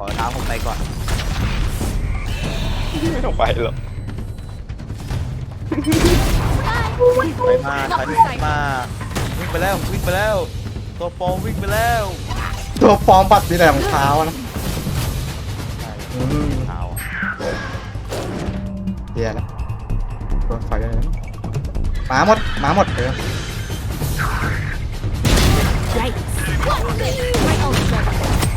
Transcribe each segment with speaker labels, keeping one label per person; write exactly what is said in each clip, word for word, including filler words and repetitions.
Speaker 1: อเท้าผมไปก่อน
Speaker 2: ไม่ต้องไปหรอก
Speaker 1: ไปมาไปมาวิ่งไปแล้ววิ่งไปแล้วตัวปลอมวิ่งไปแล้ว
Speaker 3: ตัวฟอร์มปัดมีแต่รองเท้านะอืม
Speaker 1: เท้า
Speaker 3: เดี๋ยวนะโดนไฟเลยนะหมาหมดหมาหมดเออ
Speaker 4: Right. My ult's ready.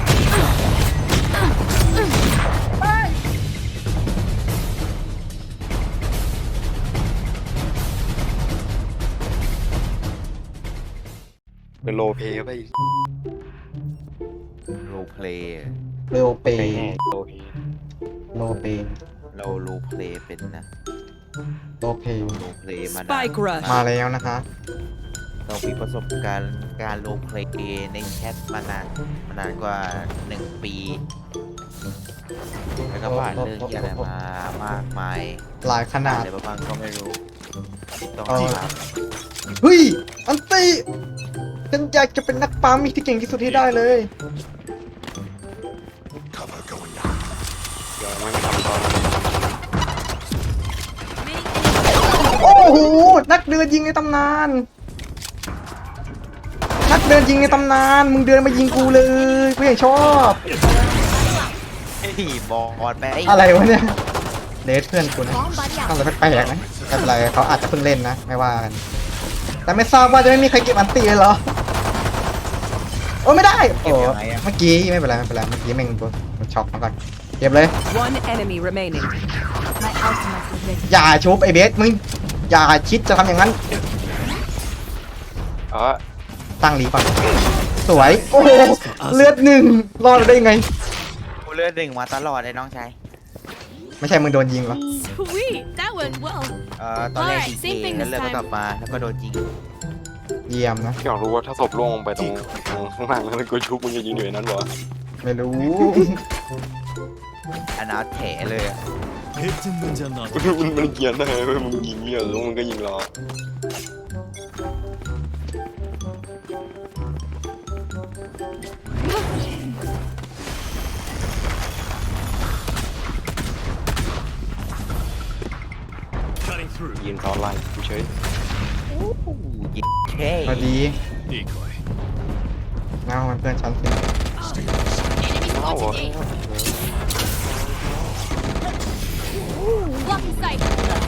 Speaker 2: เป็นโลเพย์ไป
Speaker 1: โรเพลย์
Speaker 3: เรวเป
Speaker 2: ไป
Speaker 3: ย์
Speaker 2: แน่โลเพย์
Speaker 3: โลเปย์
Speaker 1: เราโรเพลย์เป็นนะ
Speaker 3: โลเปย์
Speaker 1: โรเพลย์มานาน
Speaker 5: Spike rush
Speaker 3: มาแล้วนะคะ
Speaker 1: เรามีประสบการณ์การโรเพลย์ในแชทมานานมานานกว่าหนึ่งปีแล้วก็ผ่านเรื่องที่อะไรมามากมาย
Speaker 3: หลายขนาด
Speaker 1: อะไรบ้างก็ไม่รู้ต้อง
Speaker 3: เออ
Speaker 1: ถาม
Speaker 3: เฮ้ยอันตีฉันอยากจะเป็นนักปั๊มที่เก่งที่สุดที่ได้เลย
Speaker 2: เดี๋ยวมันทำตอน
Speaker 3: โอ้โหนักเดินยิงในตำนาน นักเดินยิงในตำนานมึงเดินมายิงกูเลยกูยังชอบ
Speaker 1: เฮ้ยบอลไป
Speaker 3: อะไรวะเนี่ยเลสเพื่อนกูนะ
Speaker 4: Bomb buddy
Speaker 3: ทำ
Speaker 4: out.
Speaker 3: อะไรแปลกๆนะไม่เป็นไรเขาอาจจะเพิ่งเล่นนะไม่ว่ากันแต่ไม่ทราบว่าจะไม่มีใครเก็บอันตีเลยเหรอโอ้ไม่ได้โอ้เมื่อกี้ไม่เป็นไรไม่เป็นไรเมื่อกี้แม่งมันช็อกมาก่อนเก็บเลย
Speaker 5: One enemy remaining.
Speaker 4: My ultimate is ready.
Speaker 3: อย่าชุบไอเบสมึงอย่าคิดจะทำอย่างนั้น
Speaker 2: อ๋อ
Speaker 3: ตั้งหลีก่อนสวยโอ้โหเลือดหนึ่งรอดได้ยังไง
Speaker 1: กูเลือดหนึ่งมาตลอดเลยน้องชาย
Speaker 3: ไม่ใช่มึงโดนยิงเหรอ
Speaker 4: Sweet. That went well.
Speaker 1: เอ่อตอนแรก
Speaker 4: Alright,
Speaker 1: ที
Speaker 4: same
Speaker 1: เ
Speaker 4: thing
Speaker 1: แล้ว
Speaker 4: this
Speaker 1: เลือดก็
Speaker 4: time
Speaker 1: กลับมาแล้วก็โดนยิง
Speaker 3: เยี่ยมนะ
Speaker 2: อยากรู้ว่าถ้าศพล่วงลงไปตรงตรงข้างล่างแล้วกูชุบมึงจะยิงอยู่ในนั้นเหรอ
Speaker 3: ไม่รู้
Speaker 1: อนาถแถเลยอะ
Speaker 2: มันมันเกียนได้ไหมมึงยิงเนี่ยแล้วมึงก็ยิงรอ ยิงเขาไล่กูเฉย
Speaker 1: ยิงเท่
Speaker 3: พอดีเงามันเพื่อนชั้นสิ
Speaker 4: Enemy
Speaker 2: เอ้า
Speaker 4: spotted A. Blocking sight.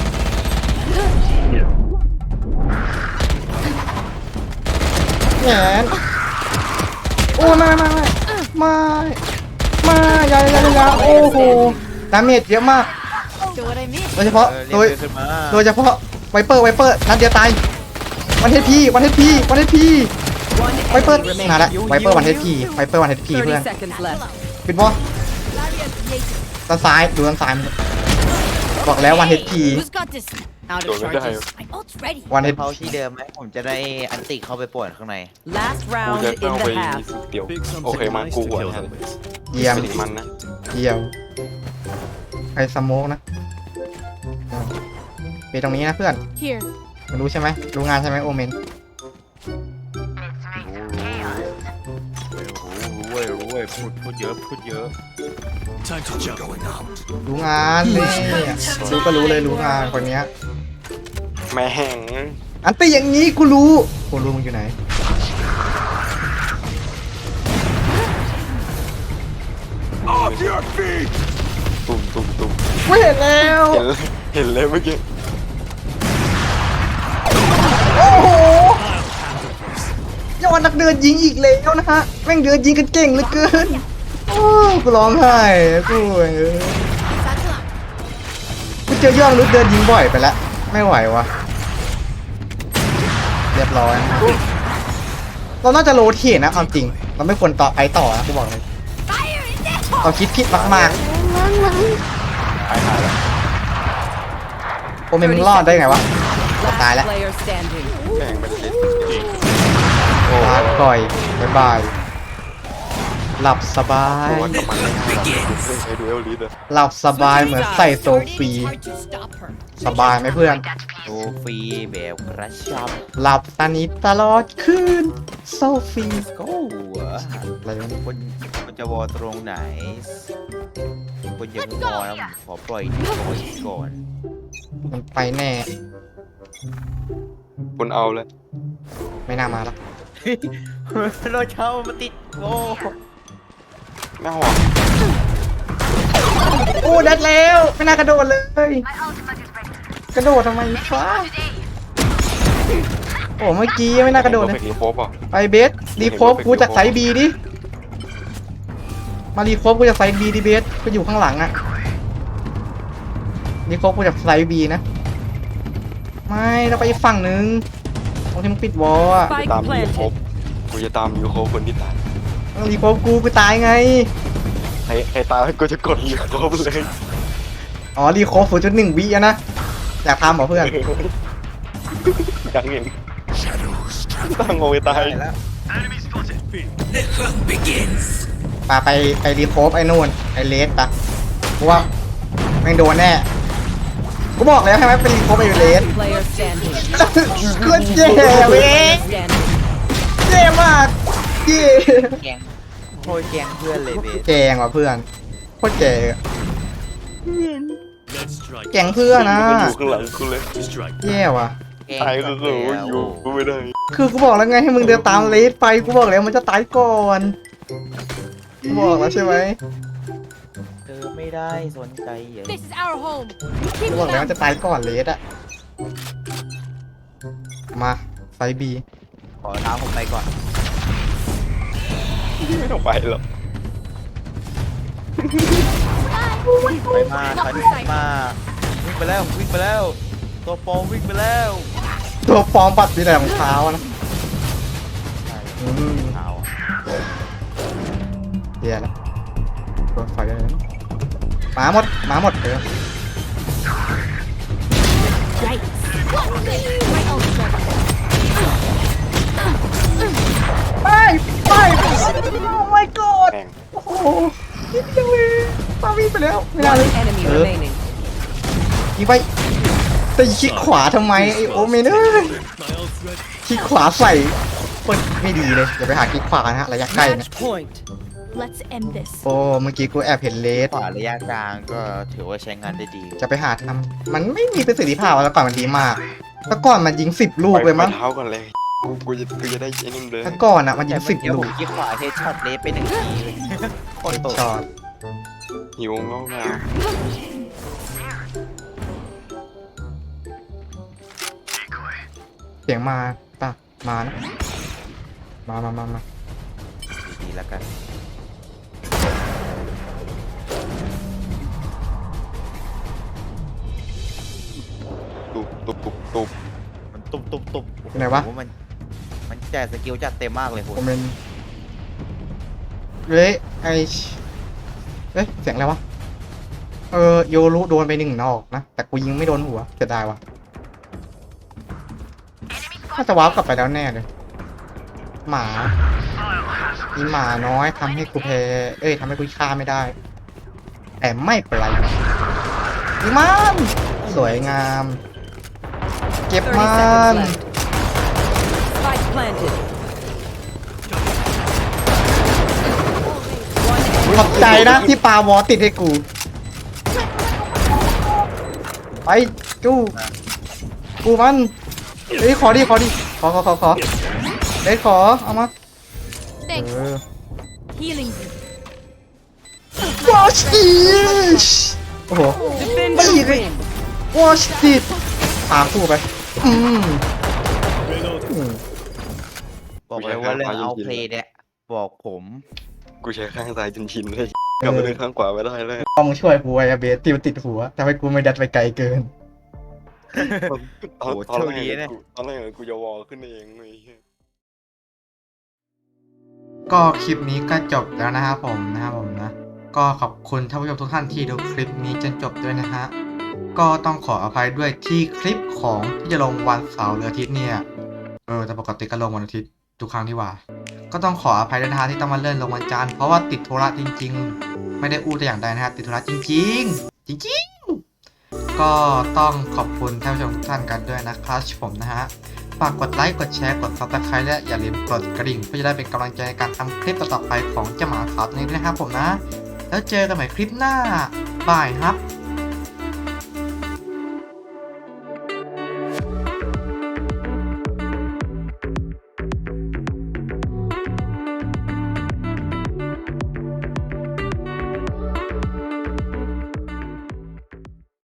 Speaker 3: แหนโอ้ไม่ไม่ไม่ไม่ไม่อยาอยาอยาโอ้โหดาเมจเยอะมาก
Speaker 4: So what I mean?
Speaker 3: โดยเฉพาะ
Speaker 1: เออ
Speaker 3: โด
Speaker 1: เรีย
Speaker 3: ย
Speaker 1: กเพื่อนขึ้นมา
Speaker 3: โดยเฉพาะไวเปอร์ไวเปอร์นัดเดียวตายวันเฮดพีวันเฮดพีวันเฮดพี
Speaker 5: One
Speaker 3: ไวเปอร์
Speaker 5: enemy
Speaker 3: มา
Speaker 5: remaining.
Speaker 3: แล้วไวเปอร์วันเฮดพีไวเปอร์วันเฮดพี
Speaker 5: Thirty
Speaker 3: เพื่อน
Speaker 5: seconds left.
Speaker 3: ปิดบอล
Speaker 4: Barrier created.
Speaker 3: ด้านซ้ายดูด้านซ้ายมันบอกแล้ววันเฮดพี
Speaker 4: Who's got this?
Speaker 5: Out
Speaker 2: โดน
Speaker 5: of
Speaker 2: ไม่ได้
Speaker 5: charges.
Speaker 4: My ult's ready.
Speaker 3: วันเฮด
Speaker 1: เขาที่เดิมไหมผมจะได้อันติเข้าไปป่วนข้างใน
Speaker 5: Last
Speaker 2: กู
Speaker 5: round
Speaker 2: จะ
Speaker 5: in
Speaker 2: เข้าไป
Speaker 5: the half.
Speaker 2: เดี๋ยวโอเคมันกูหัวแทน
Speaker 3: เยี่ยม
Speaker 2: ไม่ถึงมันนะ
Speaker 3: เยี่ยมใครสโมกนะไปตรงนี้นะเพื่อน
Speaker 4: Here.
Speaker 3: มันรู้ใช่ไหมรู้งานใช่ไหมโอเมน
Speaker 1: รู้รู้รู้รู้เว้ยรู้เว้ยพูดพูดเยอะพูดเยอะ
Speaker 3: รู้งานเลยรู้ก็รู้เลยรู้งานคนเนี้ย
Speaker 2: แม่ง
Speaker 3: อันตีอย่างนี้กูรู้กูรู้มึงอยู่ไหน
Speaker 2: ตุ่มตุ่มตุ่ม
Speaker 3: ไม่เห็นแล้ว
Speaker 2: เห็นเลยเห็นเลยเมื่อกี้
Speaker 3: โอ้โหยอดนักเดินยิงอีกแล้วนะฮะแม่งเดินยิงกันเก่งเหลือเกินโอ้กูร้องไห้กูเอ้ย
Speaker 4: Satchel out.
Speaker 3: กูเจอยอดมนุษย์เดินยิงบ่อยไปแล้วไม่ไหววะเรียบร้อยนะเราน่าจะโรเทตนะเอาจริงเราไม่ควรต่อไปต่อนะกูบอกเลย
Speaker 4: Fire in there.
Speaker 3: เราคิดผิดมาก
Speaker 2: ตายหาแล้ว
Speaker 3: ๆโอเมนมึงรอดได้ไงวะ ตายแล้ว
Speaker 5: Last player standing.
Speaker 2: แม่งเป็นเล็ด
Speaker 3: ลาก่อยบ๊ายบายหลับสบาย
Speaker 2: ตัวกับมันไม่ได้หรอกเพิ่งใช้ดูเอลลิสอะ
Speaker 3: หลับสบายเหมือนใส่โซฟี
Speaker 4: It's hard to stop her.
Speaker 3: สบายไหมเพื่อน
Speaker 1: โซฟรีแบบกระชับ
Speaker 3: หลับสนิทตลอดคืนโซฟี
Speaker 1: ก็หัว
Speaker 3: อะไรวะเนี่ย
Speaker 1: คนคนจะวอตรงไหนคนยังวอแล้วผมขอปล่อยดีคอยก่อน
Speaker 3: มันไปแน่
Speaker 2: คนเอาแล้ว
Speaker 3: ไม่น่ามาละ
Speaker 1: เราเช่ามาติดโอ้
Speaker 2: แม่หอม
Speaker 3: โอ้ดัดแล้วไม่น่ากระโดดเลย กระโดดทำไมฟ้าโอ้เมื่อกี้ไม่น่ากระโดด
Speaker 2: เล
Speaker 3: เลย ย
Speaker 2: โคบอ่ะ
Speaker 3: ไปเบสรีโคฟกูจากไซบีดิมารีโคฟกูจากไซบีดิเบสกูอยู่ข้างหลังอะรีโคฟกูจากไซบีนะไม่เราไปอีกฝั่งนึงตรงที่มึงปิดวอลอะ
Speaker 5: Spike
Speaker 2: ตามยูโคบ
Speaker 5: planted.
Speaker 2: กูจะตามยูโคบคนที่ตาย
Speaker 3: รีโคฟกูกูตายไง
Speaker 2: ใครใครตายกูจะกดยูโคบเลย
Speaker 3: อ๋อรีโคฟศูนย์จุดหนึ่งวิอะนะอยากทำเหรอเพื่อน
Speaker 2: ยังเห็นตั้งโง่ตาย
Speaker 1: แล้ว
Speaker 3: ปาไปไปรีโคฟไอ้นู่นไอ้เลสปะกูว่าแม่งโดนแน่กูบอกแล้วใช่ไหมเป็นรีโคฟไอ้เลส
Speaker 5: Player standing.
Speaker 3: ก็เย่เว้ย
Speaker 5: Standing.
Speaker 3: เย่มากเย่
Speaker 1: แกงโคตรแกงเพื่อนเลยเบส
Speaker 3: แกงว่ะเพื่อนโคตรแกงแกงเพื่อนนะ
Speaker 2: กูอยู่ข้างหลังกูเลย
Speaker 3: แย่ว่ะ
Speaker 1: แกง
Speaker 2: ตายก็
Speaker 1: จัง
Speaker 2: คือ
Speaker 1: เลยอะ
Speaker 2: อยู่กูไม่ได้
Speaker 3: คือกูบอกแล้วไงให้มึงเดินตามเลสไปกูบอกแล้วมันจะตายก่อนกูบอกแล้วใช่ไหม
Speaker 1: เธอไม่ได้สนใจอย่าง
Speaker 4: This is our home.
Speaker 3: กู
Speaker 4: Keep
Speaker 3: บอกแล้ว
Speaker 4: it
Speaker 3: มัน
Speaker 4: up.
Speaker 3: จะตายก่อนเลสอะมาไฟบี
Speaker 1: ขอท้าผมไปก่อน
Speaker 2: ไม่ต้องไปหรอก
Speaker 1: ไปมาถอยมาวิ่งไปแล้ววิ่งไปแล้วตัวโปรวิ่งไปแล้ว
Speaker 3: ตัวฟอร์มปัดมีแต่รองเท้านะ
Speaker 1: ใช่
Speaker 3: อืม
Speaker 1: เท้า
Speaker 3: เดี๋ยวละโดนไฟได้เลยหมาหมดหมาหมดเออ
Speaker 4: Right. My ult's ready.
Speaker 3: ไปไปโอ้ my god
Speaker 2: แม่ง
Speaker 3: โอ้โหนิดเดียวเลยปาวิ่งไปแล้วไม่ได้เลย
Speaker 5: One enemy
Speaker 3: เออ
Speaker 5: remaining.
Speaker 3: ยิงไปแต่คลิกขวาทำไมไอโอเมนเอ้ยคลิกขวาใส่คนไม่ดีเลยอย่าไปหาคลิกขวานะฮะระยะใกล้นะ
Speaker 5: Match point.
Speaker 4: Let's end this.
Speaker 3: โอ้เมื่อกี้กูแอบเห็นเลส
Speaker 1: ขวาระยะกลางก็ถือว่าใช้งานได้ดี
Speaker 3: จะไปหาทำมันไม่มีประสิทธิภาพแล้วก่อนมันดีมากแต่ก่อนมันยิงสิบลูกเลยมั้ง
Speaker 2: ไปเท้าก่อนเลยกูกูจะกูจะได้ไอ้นี่เลย
Speaker 3: แต่ก่อนอ่ะมันยิงสิบ
Speaker 1: เดี๋ยว
Speaker 3: ลู
Speaker 1: ผ
Speaker 3: ก
Speaker 1: มยิงขวาเฮดช็อตเลสไปหนึ่งทีเลยโคตรโต
Speaker 3: ช็อต
Speaker 2: หิวงอกมา
Speaker 3: เสียงมาป่ะมานะมามามามา
Speaker 1: ดีๆแล้วกัน
Speaker 2: ตุบตุบตุบตุบ
Speaker 1: มันตุบตุบตุบ
Speaker 3: ไหนวะ
Speaker 1: โอ้โหมันมันแจกสกิลจัดเต็มมากเลยคุ
Speaker 3: โอ
Speaker 1: ณ
Speaker 3: เมนเฮ้ยไอเฮ้ยเสียงอะไรวะเออโยรุโดนไปหนึ่งนอกนะแต่กูยิงไม่โดนหัวเสียดายวะน่าจะวาร์ปกลับไปแล้วแน่เลยหมามีหมาน้อยทำให้กูแพ้เอ้ยทำให้กูฆ่าไม่ได้ แต่ไม่เป็นไรดีมันสวยงาม เก็บ
Speaker 5: thirty
Speaker 3: มัน
Speaker 5: seconds left. Spike planted. One
Speaker 3: ขอบใจนะที่ปาวอติดให้กู ไปจู้กูมันเฮ้ยขอดิขอดิขอขอขอขอเฮ้ยขอเอามาเอ
Speaker 4: Thanks.
Speaker 3: อ
Speaker 4: Healing you.
Speaker 3: วอชดิโอ้โห
Speaker 5: Defender
Speaker 3: Wait, wait.
Speaker 5: win.
Speaker 3: วอชดิพาคู่ไปอืมอืม
Speaker 1: บอกเลยว่าเรื่องเอาเพลย์เนี่ยบอกผม
Speaker 2: กูใช้ข้างซ้ายจนชินเลยกลับมาเล่นข้างขวาไม่ได้เลย
Speaker 3: พอมึงช่วยกูไอ้เบสตีมันติดหัวทำให้กูไม่ดัดไปไกลเกิน
Speaker 2: ตอนตอนแรกกูตอนแรกกูจะวอลขึ้นเองเลย
Speaker 3: ก็คลิปนี้ก็จบแล้วนะครับผมนะครับผมนะก็ขอบคุณท่านผู้ชมทุกท่านที่ดูคลิปนี้จนจบด้วยนะฮะก็ต้องขออภัยด้วยที่คลิปของที่จะลงวันเสาร์หรืออาทิตย์เนี่ยเออแต่ปกติก็ลงวันอาทิตย์ทุกครั้งที่ว่า ก็ต้องขออภัยด้วยนะฮะที่ต้องมาเลื่อนลงวันจันทร์เพราะว่าติดธุระจริงๆ ไม่ได้อู้แต่อย่างใดนะฮะติดธุระจริงๆ จริงๆก็ต้องขอบคุณท่านผู้ชมทุกท่านกันด้วยนะครับผมนะฮะฝากกดไลค์กดแชร์กด ซับสไครบ์ และอย่าลืมกดกระดิ่งเพื่อจะได้เป็นกำลังใจในการทำคลิปต่อๆไปของเจ้าหมาขาวตัวนี้ด้วยนะครับผมนะแล้วเจอกันใหม่คลิปหน้าบายครับ